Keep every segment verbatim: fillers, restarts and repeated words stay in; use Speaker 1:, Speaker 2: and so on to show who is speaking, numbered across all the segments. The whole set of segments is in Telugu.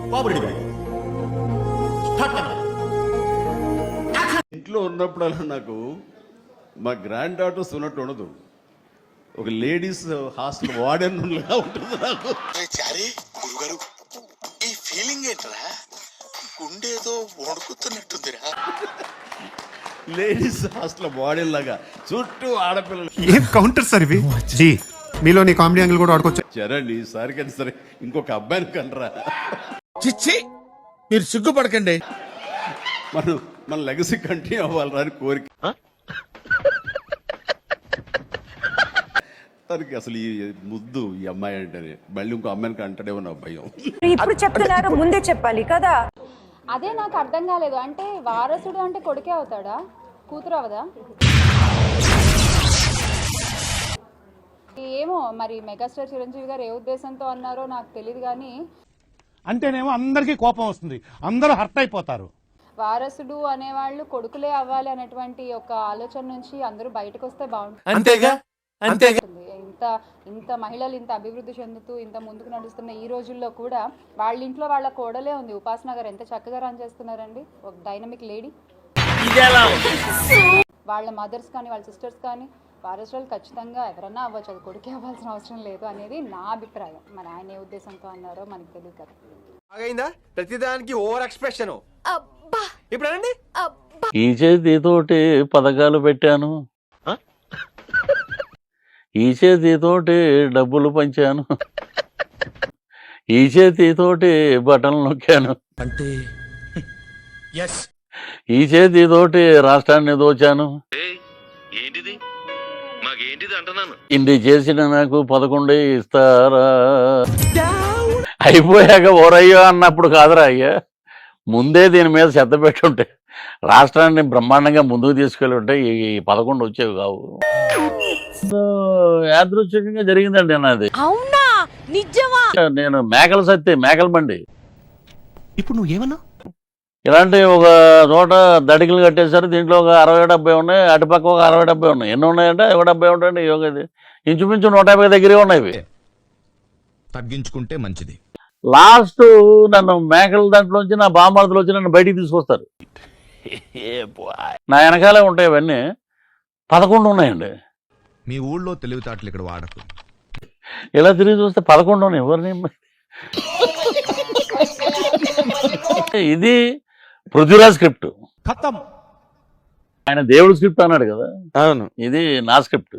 Speaker 1: ఇంట్లో ఉన్నప్పుడల్లా నాకు మా గ్రాండ్ డాటర్స్ ఉన్నట్టు ఉండదు, ఒక లేడీస్ హాస్టల్ వార్డెన్ లా ఉంటుంది నాకు.
Speaker 2: గురుగారు ఈ ఫీలింగ్ ఏంట్రా, గుండేదో వణుకుతున్నట్టుందిరా.
Speaker 1: లేడీస్ హాస్టల్ వార్డెన్ లాగా చుట్టూ ఆడపిల్లలు.
Speaker 3: ఏం కౌంటర్ సార్ ఇవి? జీ మీలో నీ కామెడీ యాంగిల్ కూడా ఆడుకోవచ్చు.
Speaker 1: చరణ్ ఈసారి కానీ సరే ఇంకొక అబ్బాయిని కనరా.
Speaker 2: చిచ్చి మీరు సిగ్గుపడకండి,
Speaker 1: మనం మన లెగసీ కంటిన్యూ అవ్వాలరా అని కోరిక. తనకి అసలు ఈ ముద్దు ఈ అమ్మాయి అంటేనే మళ్ళీ ఇంకో అమ్మాయికి అంటాడేమో నా భయం.
Speaker 4: ఇప్పుడు చెప్తున్నారు, ముందే చెప్పాలి కదా.
Speaker 5: అదే నాకు అర్థం కాలేదు. అంటే వారసుడు అంటే కొడుకే అవుతాడా, కూతురు అవదా? ఏమో మరి మెగాస్టార్ చిరంజీవి గారు ఏ ఉద్దేశంతో అన్నారో నాకు తెలియదు. కానీ
Speaker 6: అంటేనేమో అందరికీ కోపం వస్తుంది, అందరూ హర్ట్ అయిపోతారు.
Speaker 5: వారసుడు అనేవాళ్ళు కొడుకులే అవ్వాలి అనేటువంటి ఒక ఆలోచన నుంచి అందరూ బయటకు వస్తే బాగుంటుంది.
Speaker 2: అంతేగా అంతేగా.
Speaker 5: ఇంత ఇంత మహిళలు ఇంత అభివృద్ధి చెందుతూ ఇంత ముందుకు నడుస్తున్న ఈ రోజుల్లో కూడా వాళ్ళ ఇంట్లో వాళ్ళ కోడలే ఉంది. ఉపాసన గారు ఎంత చక్కగా రన్ చేస్తున్నారండి, ఒక డైనమిక్ లేడీ. వాళ్ళ మదర్స్ కానీ వాళ్ళ సిస్టర్స్ కానీ వారసులు ఖచ్చితంగా ఎవరన్నా అవ్వచ్చు, అది కొడుకే అవ్వాల్సిన అవసరం లేదు అనేది నా అభిప్రాయం. మరి ఆయన ఏ ఉద్దేశంతో అన్నారో మనకు తెలియదు కదా.
Speaker 2: ప్రతిదానికి ఓవర్ ఎక్స్ప్రెషన్. ఇప్పుడు అనండి.
Speaker 7: ఈ చేతితోటి పథకాలు పెట్టాను, ఈ చేతితోటి డబ్బులు పంచాను, ఈ చేతితోటి బటన్లు నొక్కాను,
Speaker 2: అంటే
Speaker 7: ఈ చేతితోటి రాష్ట్రాన్ని దోచాను.
Speaker 8: ఏంటిది మాకేంటిది అంటున్నాను.
Speaker 7: ఇన్ని చేసిన నాకు పదకొండే ఇస్తారా, అయిపోయాక ఓరయ్యో అన్నప్పుడు కాదురా అయ్యా, ముందే దీని మీద శ్రద్ధ పెట్టుంటే రాష్ట్రాన్ని బ్రహ్మాండంగా ముందుకు తీసుకెళ్ళి ఉంటే ఈ పదకొండు వచ్చేవి కావు. యాదృచ్ఛికంగా జరిగిందండి నాది.
Speaker 4: అవునా, నిజమా?
Speaker 7: నేను మేకల సత్తే మేకల బండి.
Speaker 3: ఇప్పుడు నువ్వు ఏమన్నా
Speaker 7: ఇలాంటి ఒక చోట దడికలు కట్టేశారు, దీంట్లో ఒక అరవై డెబ్బై ఉన్నాయి, అటుపక్క ఒక అరవై డెబ్బై ఉన్నాయి. ఎన్ని ఉన్నాయంటే ఒక డెబ్బై ఉంటాయండి. యోగది ఇంచుమించు నూట యాభై దగ్గరే ఉన్నాయి.
Speaker 2: తగ్గించుకుంటే మంచిది.
Speaker 7: లాస్ట్ నన్ను మేకల దాంట్లోంచి నా బామర్దులు వచ్చి నన్ను బయటికి తీసుకొస్తారు. నా వెనకాలే ఉంటాయి అవన్నీ. పదకొండు ఉన్నాయండి.
Speaker 2: మీ ఊళ్ళో తెలివితేటలు ఇక్కడ వాడకు.
Speaker 7: ఇలా తిరిగి చూస్తే పదకొండు ఉన్నాయి. ఎవరిని ఇది పృథ్వీరాజ్ స్క్రిప్ట్, ఆయన దేవుడు స్క్రిప్ట్ అన్నాడు కదా.
Speaker 2: అవును,
Speaker 7: ఇది నా స్క్రిప్ట్.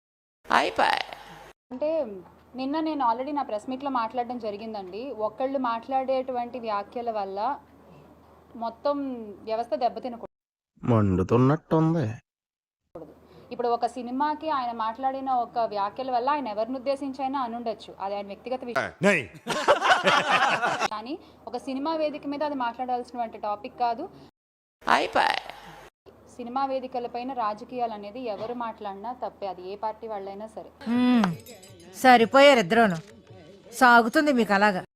Speaker 5: అంటే నిన్న నేను ఆల్రెడీ నా ప్రెస్ మీట్లో మాట్లాడడం జరిగిందండి. ఒకళ్ళు మాట్లాడేటువంటి వ్యాఖ్యల వల్ల మొత్తం వ్యవస్థ దెబ్బతినకూడదు.
Speaker 2: మండుతున్నట్టుంది.
Speaker 5: ఇప్పుడు ఒక సినిమాకి ఆయన మాట్లాడిన ఒక వ్యాఖ్యల వల్ల ఆయన ఎవరిని ఉద్దేశించైనా అనుండొచ్చు, అది ఆయన వ్యక్తిగత విషయం. కానీ ఒక సినిమా వేదిక మీద అది మాట్లాడాల్సినటువంటి టాపిక్ కాదు. సినిమా వేదికలపైన రాజకీయాలు అనేది ఎవరు మాట్లాడినా తప్పే, అది ఏ పార్టీ వాళ్ళైనా సరే.
Speaker 4: సరిపోయారు ఇద్దరును, సాగుతుంది మీకు అలాగా.